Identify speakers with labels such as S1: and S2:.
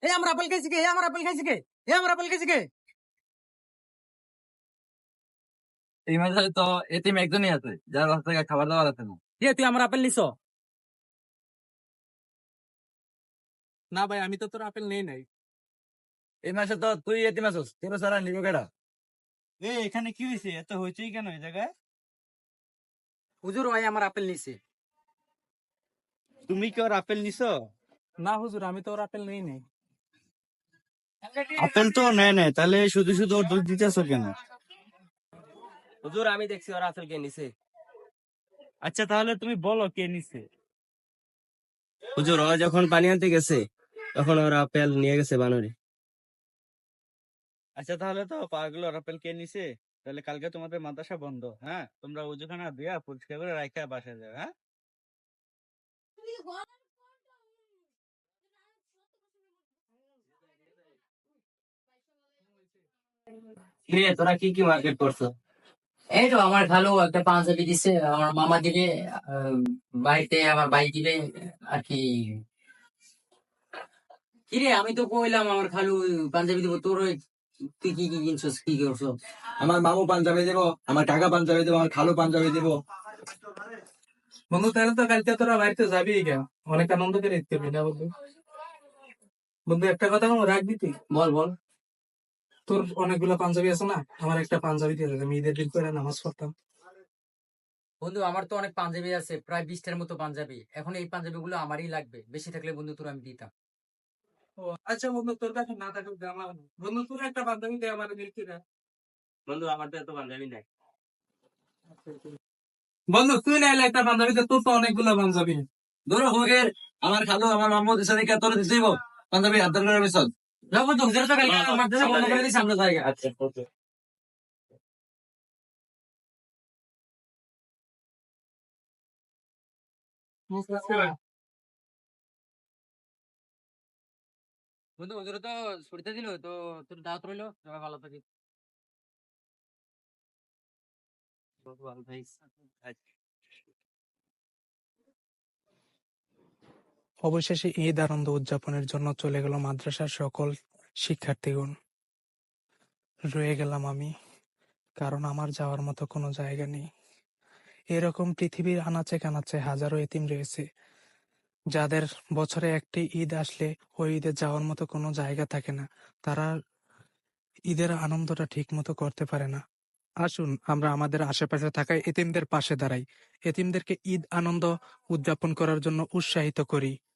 S1: এই আমার আপেল খাইছি কে? আমার আপেল খাইছি কে? আমার আপেল খাইছি কে?
S2: এই মাঝে তো এতিম একজনই আছে যার কাছ থেকে খাবার দাবার আছে না।
S1: তুই আমার আপেল নিছ?
S3: না ভাই, আমি তো তোর আপেল নেই নাই।
S2: এই মাসে তো তুই এতিম আছিস, তোর সারা নিব কেডা?
S3: এখানে কি হয়েছে? এত হইচই কেন এই জায়গায়?
S1: হুজুর ভাই আমার আপেল নিছে।
S3: তুমি কি ওর আপেল নিছো?
S4: না হুজুর, আমি তো ওর আপেল নেই নাই।
S3: আপেল তো নেয় নাই, তাহলে শুধু শুধু ওর দোষ দিতেছো কেন?
S5: হুজুর আমি দেখছি ওরা আপেল কে নিছে।
S3: আচ্ছা তাহলে তুমি বলো কে নিছে।
S5: হুজুর ওরা যখন পানি আনতে গেছে তখন ওরা আপেল নিয়ে গেছে বানরে।
S3: আচ্ছা তাহলে তো পাগল, ওর আপেল কে নিছে? তাহলে কালকে তোমাদের মাদ্রাসা বন্ধ, হ্যাঁ? তোমরা ওজুখানা দিয়া পরিষ্কার করে রাখা বাসা যাও, হ্যাঁ?
S5: কিরে তোরা কি কি মার্কেট করছো?
S6: এই তো আমার খালু একটা পাঞ্জাবি দিছে, আমার মামা দিবে, আহ, বাড়িতে আমার ভাই দিবে আর কি। কিরে আমি তো কইলাম আমার খালু পাঞ্জাবি দিব, তোর তুই কি কি কিনছস, কি করছো?
S2: আমার মামু পাঞ্জাবি দেব, আমার কাকা পাঞ্জাবি দেব, আমার খালু পাঞ্জাবি দেব।
S4: বন্ধু তাহলে তো কালকে তোরা বাড়িতে যাবি কেন? অনেক আনন্দ করে দিতে হবে না বন্ধু? বন্ধু একটা কথা আমার রাখবি তুই?
S6: বল বল।
S4: তোর অনেকগুলো পাঞ্জাবি আছে না, আমার একটা পাঞ্জাবি দিয়ে দেবে, আমি ঈদের দিন করে নামাজ পড়তাম।
S6: বন্ধু আমার তো অনেক পাঞ্জাবি আছে, প্রায় 20টার মতো পাঞ্জাবি। এখন এই পাঞ্জাবি গুলো আমারই লাগবে, বেশি থাকলে বন্ধু তোর আমি দিতাম।
S4: ও আচ্ছা বন্ধু, তোর কাছে না থাকুক দে আমার। বন্ধু তোর একটা পাঞ্জাবি দে আমার মিল্কিরা।
S5: বন্ধু আমার তো এত পাঞ্জাবি নাই।
S4: বন্ধু তুই নাইলে একটা পাঞ্জাবি দে, তোর তো অনেকগুলো পাঞ্জাবি।
S2: ধরো হোগের, আমার খালু আমার মামু দিছে দেখে তোর দিতে দিব পাঞ্জাবি হাত ধরে মিশন।
S6: যাও বন্ধু, হুজুর তো কালকে মাদ্রাসা বন্ধ করে দিয়েছে, আমরা জায়গা।
S5: আচ্ছা ওকে।
S6: বন্ধু হুজুর তো ছুটিতে দিল তো, তোর দাওয়াত রইলো, সবাই ভালো থাকিস।
S5: ভালো ভাই।
S4: অবশেষে ঈদ আনন্দ উদযাপনের জন্য চলে গেল মাদ্রাসার সকল শিক্ষার্থীগণ। রয়ে গেলাম আমি, কারণ আমার যাওয়ার মতো কোনো জায়গা নেই। এরকম পৃথিবীর আনাচে কানাচে হাজারো এতিম রয়েছে, যাদের বছরে একটি ঈদ আসলে ওই ঈদে যাওয়ার মতো কোনো জায়গা থাকে না। তারা ঈদের আনন্দটা ঠিক মতো করতে পারে না। আসুন আমরা আমাদের আশেপাশে থাকা এতিমদের পাশে দাঁড়াই, এতিমদেরকে ঈদ আনন্দ উদযাপন করার জন্য উৎসাহিত করি।